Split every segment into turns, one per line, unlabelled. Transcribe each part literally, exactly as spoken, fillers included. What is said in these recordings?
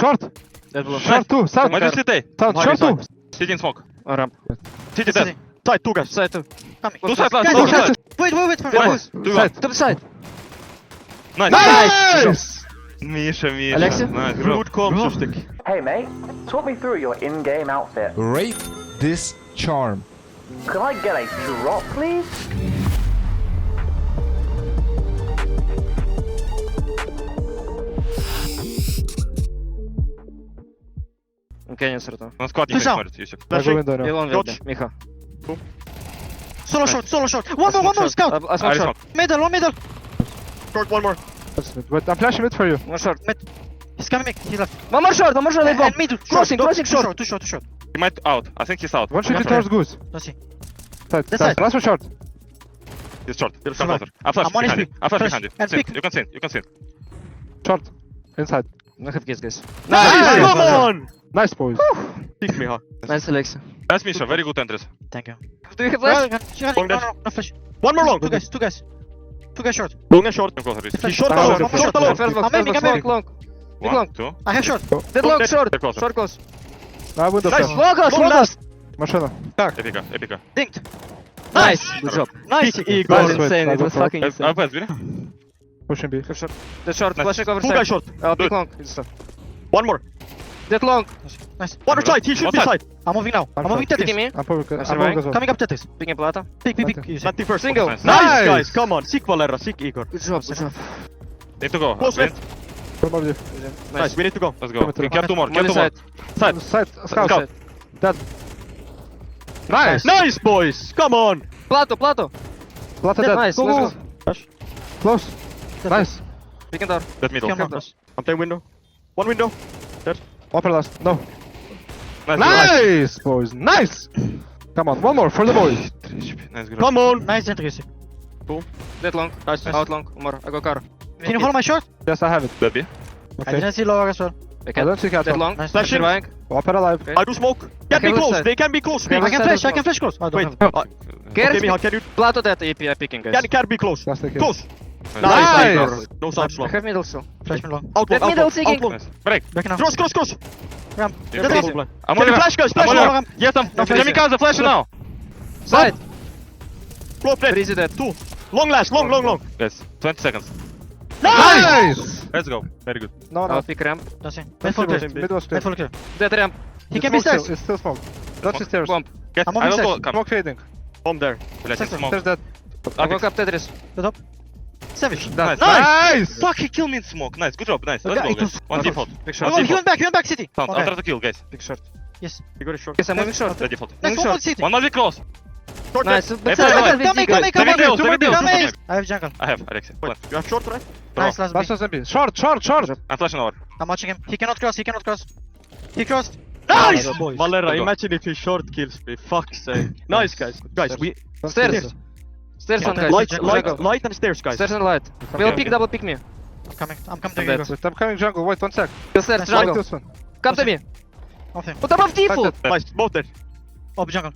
Short.
Dead below.
Short two. South.
Might be city.
South.
Hiding
Short two.
side. City in smoke.
Oh, ramp.
City dead.
Side, two guys.
Side two.
Coming.
Two side last.
Guys,
Two
guys,
side.
Wait, wait, wait for me.
One.
Guys.
Two one.
Side.
To the side.
Nice.
Nice.
Misha, Misha.
Alexia?
Nice. Good
Rude comms, stick.
Hey mate, talk me through your in-game outfit.
Rate this charm.
Could I get a drop, please?
Окей, не сортов.
Он склад не
Ты сам.
смотрит, Юсик.
I go window
И
now.
он
Dodge.
вилби. Миха.
Solo short, solo short. One more, one more, scout.
I
I
smoke short.
smoke.
Middle, one middle. Short, one more.
That's it. Wait, I'm flashing mid for you.
One short.
He's coming mid. He left.
One more short, one more short.
And,
Bomb.
and middle.
Crossing,
short,
crossing
too
short.
short. Too short, too short.
He might out. I think he's out.
One should
Yeah.
be towards goose.
Let's see.
Side.
This
Side.
side.
Last one short.
He's short. Come
survive.
closer. I flash
I'm on
behind
H
you.
P.
I flash
Flash.
behind you.
And
Sin.
pick.
You can sin. You can sin.
Short. Inside.
I have kids, guys.
Nice.
Come on.
Nice boys.
Pick me, huh?
Nice, Alexia.
That's Misha. Very good entries.
Thank you.
Do you have
Well,
flash?
no, no, no, no, no flash. One more long. Two guys, two guys. Two guys short.
Long and short. Come closer. Yusi.
He's short
Ah,
alone.
okay,
One more short
okay.
alone.
First box,
I'm
first
aiming,
box,
I'm aiming.
long, long. Big
One,
long.
two.
I have short.
Dead long, short.
They're closer.
Short close.
Now window
Nice.
flash.
Long close,
Long
long
last.
close.
Machina.
Epica. Epica.
Dinked.
Nice. Good job.
Nice,
That
Igor.
was
Nice.
insane. It was
Nice.
fucking
Uh,
insane.
Up as biri.
Pushing B.
Have short. Dead short.
Nice.
Flashing over
Two
side.
guys short.
Oh, big
Good.
long. Good stuff.
One more.
Dead long.
Nice. One
Good.
side. He should
One
be
side.
side. I'm moving now. I'm
I'm
moving
short.
Picking
Tetris.
me.
I'm probably. I'm
surviving.
probably as well.
Coming up Tetris.
Picking plata.
Pick, pick, pick.
Okay.
Easy.
Nothing first.
Single.
Nice.
Nice.
guys. Come on. Sick Valera. Sick Igor.
Good job. Good job.
Need to go.
Close
Win.
left.
One more view.
Nice. We need to go.
Let's go.
Come through.
Kill two more. Kill
Molly
two more.
side.
Side.
Side. Scout.
Scout.
Dead. Nice.
Nice, boys. Come on.
Plato, plato.
Plata dead.
Nice.
Go, go,
Let's
go.
go.
Close. Nice.
Picking door.
That middle.
Come on.
close.
I'm playing window. One window.
Upper last. No.
Nice.
Nice, boys. Nice. Come on. One more for the boys.
Nice. Good.
Come on. Nice entry.
Dead long.
Nice.
Out long. One more. I go car.
Can you hold my shot?
Yes, I have it.
That B.
I
Okay.
didn't see lower as well.
I
I
can.
don't see cat.
Dead long.
Nice.
Flashing. Surviving.
Upper alive.
Okay.
I do smoke. Can
Okay,
be
left
close.
side.
They can be close.
Okay,
I
left
can
side
flash.
as
I can flash close. I don't Wait. have. Uh,
Care.
okay, Miha, can you
Plato dead. A P. I picking guys.
can can be close?
Last kill.
Close.
Nice.
Nice. No side
I
slow.
have middle still.
Flash me long.
Dead
Out long. Out
middle
long.
seeking.
Out long.
Nice. Break.
Back now. Cross, cross, cross. Ramp.
Yeah,
Dead
please.
ramp.
I'm
Can
on
you
your-
flash guys?
I'm
Flash
on
long
your-
ramp.
Yes, I'm.
No, flash.
Kamikaze flash now.
Side.
Flow plate.
Breezy dead.
Two. Long last. Long, long, long.
Guys, twenty seconds.
Nice.
Let's go. Very good.
No,
I'll
no.
pick ramp.
That's it.
Mid
Mid full
was
clear.
mid was clear.
Mid full clear.
Dead ramp.
He
It's
can be
smoke still,
stairs.
It's still smoke. Dodge the stairs.
Bomb.
Get.
I'm on
I will
mid
go.
side.
Come.
Smoke fading.
Bomb there.
Let's
Second.
smoke.
Stairs dead.
I'll go up Tetris.
The top. Savage.
Nice.
Nice.
Fuck, he killed me in smoke. Nice. Good job. Nice. Let's
Okay,
go,
it
guys.
was-
One default.
Big
Oh,
short.
no, he went back. He went back city.
Sound. I'll
Okay.
try to kill, guys.
Big short.
Yes. You got a short.
Yes, I'm moving short.
The default.
Nice.
Moving
One more
short.
city.
One might be close.
Short
Nice.
dead.
But
Left side,
side,
left.
side,
Coming,
big guys.
coming,
Let me
coming.
deal, let me deal.
Coming. I have jungle.
I have, Alexia.
Wait, you have short, right?
Bro.
Nice, last
Last
B.
one's M P. Short, short, short.
I'm flashing over.
I'm watching him. He cannot cross. He cannot cross. He crossed.
Nice!
Valera,
Let's go.
imagine if he short kills me. Fuck's sake. Nice, guys. Guys, we
Stairs. Stairs on guys.
light,
Jungle.
light, light and stairs, guys.
Stairs and light. Will
okay.
pick, double pick me.
I'm coming. I'm coming to
I'm
you.
dead.
guys.
Wait, I'm coming jungle. Wait, one sec.
Kill stairs,
Nice.
Like
jungle.
this one.
Come to me.
Nothing.
What above default?
Dead.
Nice, both there. Oh, jungle.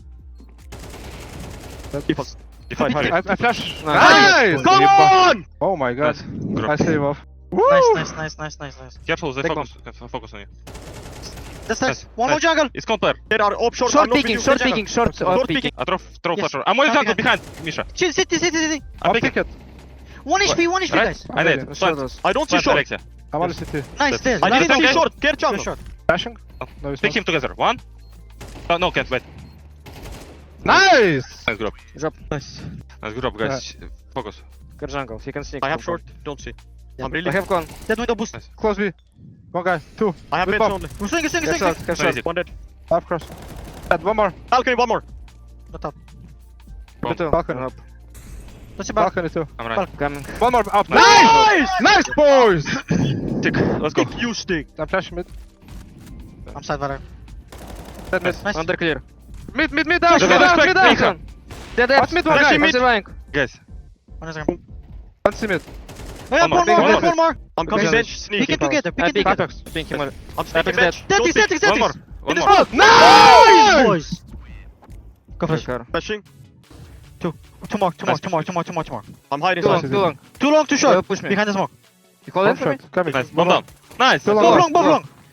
Dead.
Default.
Default. Hurry.
I, I flash.
Nice.
Nice.
Come on!
Oh my god.
Good
I
job.
save off.
Nice, nice, nice, nice, nice, nice.
Careful, they
Take
focus. They focus on you.
That's
Nice,
nice. One more
nice.
jungle.
It's counter.
There are up short.
Short
I'm not
picking,
with you.
short
Jungle.
picking, short
Short
uh, picking.
picking.
I throw, throw
Yes.
flasher. I'm one
Come
jungle
behind.
behind, Misha.
Chill, city, city, city.
I'm
I'll
picking.
pick it.
One H P, one H P,
Right?
guys.
I did.
Already.
Plant.
Shadows.
I don't see
Plant,
short.
Alexia.
I'm on the city.
Nice, there.
I
I
did
didn't
okay.
see short. Get jungle. Short.
Flashing? No, he's
Pick
not.
him together. One. Oh, no, can't wait.
Nice!
Nice, good job.
Drop.
Nice.
Nice, good job, guys. Focus.
Good jungle. He can sneak.
I have short. Don't see. I'm
I
really.
have con.
Dead window boost.
Nice.
Close B. One guy. Two.
I have
With
mid
bomb.
only. We're swinging, swinging,
Get
swinging.
short. Get
Nice.
short.
Easy.
One dead.
Half cross. Dead. One more.
Balcony, one more. Not up.
Bomb.
Two.
Balcony.
Up.
Let's see back.
Balcony two.
I'm right.
Coming.
One more up.
Nice!
Nice! Nice, boys!
Tick. Let's go.
Stick, you stick.
I'm flashing mid.
I'm side Valera.
Dead mid.
Nice.
Under clear.
Mid, mid, mid down,
Just
mid down,
respect
mid down!
Mika.
Dead dead.
What's mid one
I'm
guy?
surviving. I'm surviving.
Guys.
One is there.
One C mid.
Oh, yeah,
One more.
one more,
Big
one
one.
more, one more. I'm
coming
coming
bench,
bench.
sneaky
Pick it
power.
together, pick
I
it
pick
together.
Apex. Pink him.
I'm sneaking
Apex
bench.
dead.
Static, static,
One
static.
more. One
It is
more.
out.
Nice!
Boys. Go flash.
Car.
Flashing. Two. Two more, two more, two more, two more, two more, two more. I'm hiding.
Too long.
Nice.
Too long.
Too long, too short.
Uh, push me.
Behind the smoke.
You call
One
it for me?
shot. Coming.
Nice. Bomb down. Nice.
Too
Let's
Both
go.
long, both long.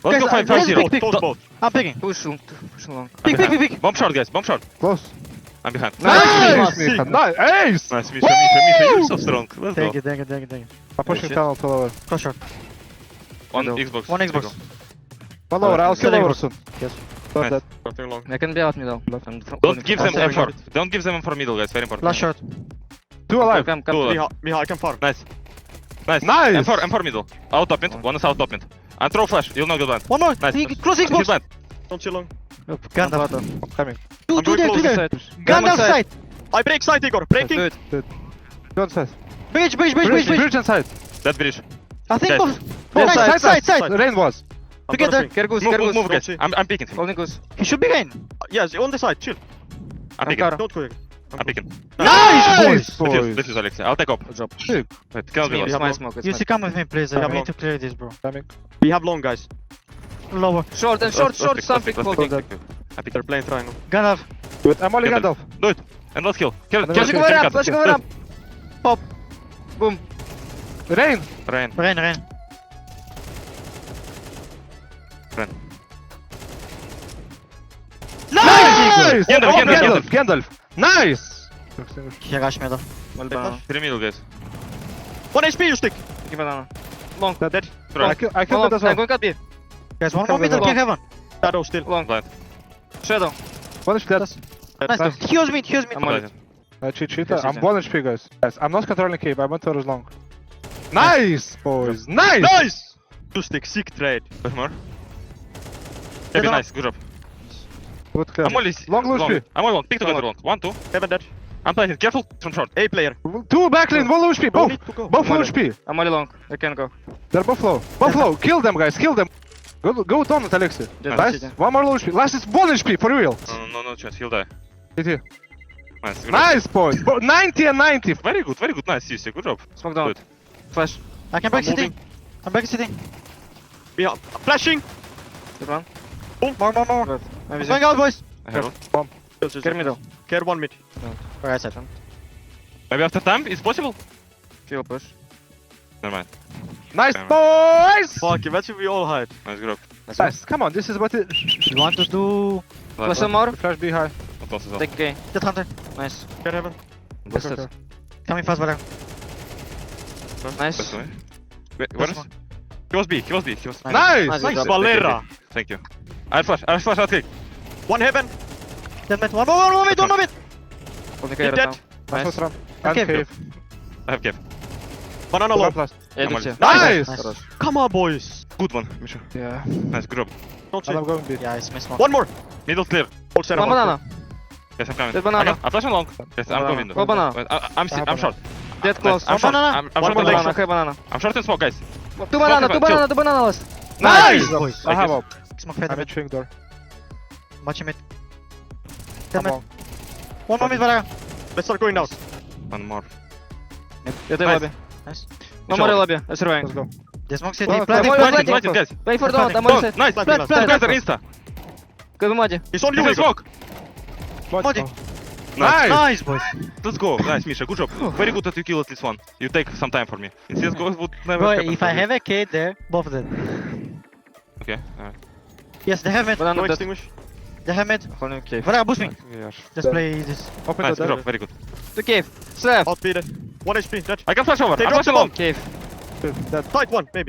Let's go
Guys,
five
I-
five zero.
pick, pick,
Don't-
pick.
both.
I'm picking.
Push long. Push long.
I'm
Pick, pick,
behind.
pick, pick.
Bomb short, guys. Bomb short.
Close.
I'm behind.
Nice,
Nice.
Micha. Nice. Ace.
Nice, Misha, Misha, Misha, you're so strong. Let's
Thank
go.
you, thank you, thank you, thank you.
I'm pushing
shit.
tunnel to lower.
Close shot.
One
Middle.
Xbox.
One Xbox.
One lower. I'll kill
Kill
lower
Xbox.
soon.
Yes.
Got
Nice.
that.
Nothing long.
I can be out middle. I'm f-
Don't give them
I'll
M
say
four. Don't give them M four middle, guys. Very important.
Last shot.
Two alive.
Come, come.
Two alive.
Miha, Miha, I can farm.
Nice. Nice.
Nice.
M four, M four middle. Out top mid. One is out top mid. And throw flash. You'll not get blind.
One more.
Nice.
He- Close
He's
Xbox.
blind.
Don't chill long.
Gandalf.
I'm coming.
Two,
I'm
two
going
there,
close
two
this
there.
Side.
Gandalf
side.
side.
I break side, Igor. Breaking.
Good.
Go inside.
Bridge, bridge, bridge,
Bridge,
bridge, bridge.
bridge inside.
That bridge.
I think
Guys.
both.
Both
Nice,
side,
side, side.
Rain was.
I'm
Together.
gonna swing.
Care goose,
Move,
care
move,
goose.
move,
Don't
guys.
see.
I'm, I'm picking.
Holding goose.
He should be gain.
Uh, Yes, on the side. Chill.
I'm picking.
Ankara.
Don't go. Igor.
I'm picking.
Nice, boys.
Defuse,
boys.
defuse, Alexei. I'll take up.
Good job.
Sick.
Wait, cannot be
It's
lost.
my smoke. It's
You
my
see, come with me, please. I
Yeah,
need
bro.
to clear this, bro.
Coming.
We have long, guys.
Lower.
Short and short,
Let's-
short,
let's
something.
pick, let's
Holding.
pick, let's pick. I'm picking.
They're playing triangle.
Gandalf.
Wait, I'm only
Gandalf.
Gandalf.
Do it. And let's kill. Kill,
And
kill,
then
Flashing
kill,
over
kill,
ramp,
kill.
flashing over ramp. Pop. Boom.
Rain.
Rain.
Rain, rain.
Rain.
Nice.
Gandalf,
Oh,
Gandalf,
Gandalf. Gandalf. Nice.
He rush middle.
One banana.
Three middle, guys.
One H P, you stick.
Give banana. Long.
Dead.
Right.
I kill. I killed
Long.
it as
I'm
well.
going cut B.
Guys, one more
Come
middle,
with
kick heaven.
Shadow still.
Long.
Blind.
Shadow.
One H P dead.
Nice.
Nice.
He heals me, he heals me.
I'm on it.
Blind.
Uh, cheat, cheat.
Yes,
I'm
yes,
one H P, guys. Guys, I'm not controlling cave. I went towards long. Nice, boys. Nice.
Nice! Two stick. Sick trade.
Wait more. Very
Dead
nice. Good job.
Good clear.
I'm only
Long low
long.
H P.
I'm only long. Pick together long. One, two.
Heaven dead.
I'm planting. Careful from short.
A player.
Two backlane, one low H P.
No
Both.
need to go.
Both low
Molly.
H P.
I'm only long. I can go.
They're both low. Both low. Kill them, guys. Kill them. Go, go down with Alexei.
Dead.
Nice.
Dead.
One more low H P. Last is one H P for real.
No, no, no chance. He'll die.
T T.
Nice. Good job.
Nice, boys. Bo- ninety and ninety.
Very good. Very good. Nice. Seriously. Good job.
Smoke down.
Good.
Flash.
I can break
I'm
city. I'm breaking city.
Miha. Flashing.
Good one.
More, more, more.
Good. I'm
Going out, boys.
I have one.
Care middle.
Care one mid.
Right side.
Maybe after time it's possible.
Kill push.
Never mind.
Nice,
Damn.
boys.
Fuck, where should we all hide?
Nice. Good job.
Let's go.
Nice. Come on. This is what it.
You want to do
Flash some more.
Flash B high.
Not lost as well.
Take K.
that hunter?
Nice.
Care heaven.
Busted.
okay.
Coming fast, brother.
Nice.
That's way. Wait, where is? He was B. He was B. He was.
Nice.
Nice.
Nice.
Nice,
job.
Valera.
Thank you. I'll flash. I'll flash. I'll click.
One heaven.
Dead mid. One more, one more mid, one more mid.
Holding K
He
right
dead.
now.
Nice.
Nice.
Ramp.
Okay.
And cave.
I have cap.
Banana
One
low.
plus.
Yeah,
I'm
do
on
you.
it.
Nice.
Nice.
Come on, boys.
Good one, Misha.
Yeah.
Nice. Good job.
Don't
And I'm
chill.
going B.
Yeah, it's miss one.
One more.
Middle clear.
Hold center
One
one.
banana.
Yes, I'm coming.
Dead banana.
I can- I'm flashing long. Yes, I'm
Banana.
going.
Go banana.
Wait, I, I'm, si-
I have
I'm short.
Dead close.
I'm
One
short.
banana.
I'm, I'm
One
short in
banana.
smoke.
Banana. Okay, banana.
I'm short in smoke, guys.
Two banana. Two
Chill.
banana. Two banana last.
Nice.
boys.
I have up.
Smoke fade
I'm
mid.
at swing door.
Watch mid.
Come
Dead mid.
on.
One more mid, brother.
Let's start going out.
One more.
Yeah, they
Nice.
lobby.
Nice.
One more lobby. I'm surviving.
Let's go.
They smoke city.
Well,
Planting,
well,
well,
planting.
well,
Planted, guys.
Wait for
Planting.
don't. I'm on
Don't.
set.
Nice.
Plant,
Plant,
plant,
plant,
plant.
Insta.
Good Madi.
He's on you,
He's in
Igor.
smoke.
Modi.
Nice.
Nice, boys.
Let's go. Nice, Misha. Good job. Very good that you kill at least one. You take some time for me. In C S G O, it would never
Bro,
happen
if
for
I
me.
have a kid there, both of them.
Okay. Alright.
Yes, they have mid.
Banana
No
dead.
extinguish.
They have mid.
Holding cave.
Brother, boost me.
We are-
Just play this.
Open
Nice.
the
Good
door.
job. Very good.
To cave. Slap.
Out B dead. One H P dead.
I can flash over.
They
I'm
dropped
flashing
the
long.
Cave.
That.
Tight one, maybe.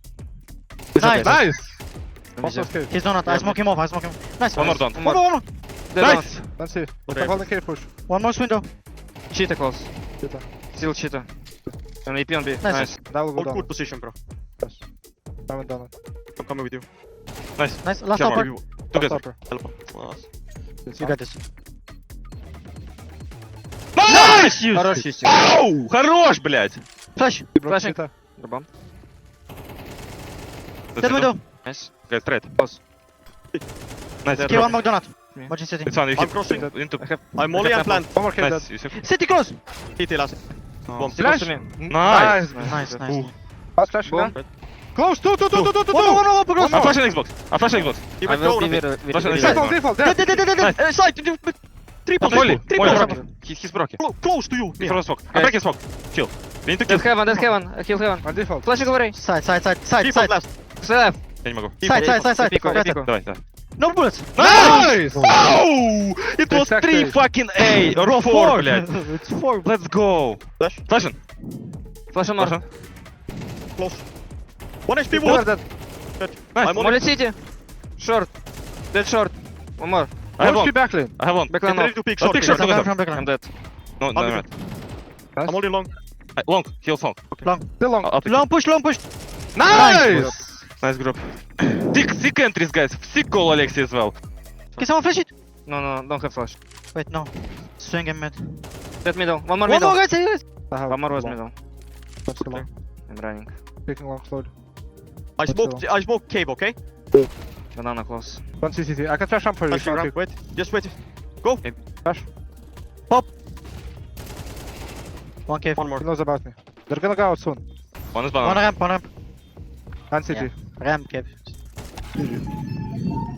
Nice.
Nice.
Let me
Also
see.
cave.
He's not. I smoke him off. I smoke him. Nice.
One more down.
One more, one more.
Dead
Nice.
Let's see.
Okay.
I'm holding cave push.
One more window.
down. Cheetah close.
Cheetah.
Still cheetah. And A P on B.
Nice.
Nice.
That will go
Hold
down.
good position, bro.
Yes. I haven't done it.
I'm coming with you.
Nice.
Nice. Last
Come on.
upper.
You
Together.
Stopper.
help him. Nice.
You got this.
Nice!
Хорош чистик.
Ау! Хорош, блядь!
Flash.
Flashing.
Cheetah.
Рубам.
Dead window.
Nice.
Guys, straight.
Close.
Nice.
Dead.
Okay, one more donut.
Me.
Watching city.
It's fine. You
I'm
hit.
crossing.
Into.
I have.
I'm molly and plant.
One more cave
Nice.
dead.
Yusuf.
City close.
T T last. Bomb.
Still close
Flash.
to me.
Nice.
Nice, nice.
Last flash
Boom.
again. Close. Two, two, two, two, two, two,
One more, one
two.
more, one more.
I'm flashing Xbox. I'm flashing Xbox.
He
I
went
will
down
be
a bit.
very, very,
Flashing
very
inside.
Default, default, dead.
Dead, dead, dead, dead, dead.
Uh, side. Triple.
Molly.
Triple.
Molly.
Triple.
He, he's broken.
Clo- Close to you.
He
Miha.
throws smoke. I'm
Guys.
breaking smoke. Chill. We need to kill.
Dead heaven, dead heaven. I kill heaven.
On default.
Flashing over A.
Side, side, side, side,
Triple
side.
last.
Slap.
Я не могу.
Side, side, side, side.
Пику, я
Better.
пику.
Давай, давай.
No bullets.
Nice!
Oh! It was
Exactly.
three fucking A or four, блядь.
It's four.
Let's go.
Flash.
Flashing.
Flash on more.
Flashing.
Close. One H P
Look
wood.
at that.
Nice.
I'm on
Molly
it.
city. Short. Dead short. One more.
I have
One
one.
backlane.
I have one.
Backline
Get ready
off.
to pick
Oh,
short.
pick
please.
short.
Backline from backline.
I'm dead.
No, no,
I'll
no.
be-
Nice.
I'm holding long.
I- Long. Heal long.
Still long.
I'll I'll pick.
Long push, long push.
Nice!
Nice group. Sick, sick entries, guys. Sick call, Alexi, as well.
Can someone flash it?
No, no, don't have flash.
Wait, no. Swing him mid.
Dead middle. One more
One
middle.
more, guys, guys.
I have
One more was
long.
middle.
That's still long.
I'm running.
Taking long slowly.
I
What's
smoke. I smoke cave. Okay.
Banana close.
One C C T. I can flash ramp for you.
Flashing
if you
ramp.
want
Wait. Just wait.
Flash.
One cave.
One
He
more.
knows about me. They're gonna go out soon.
One is
One
banana.
ramp, one ramp.
And C T.
Yeah. Ramp cave.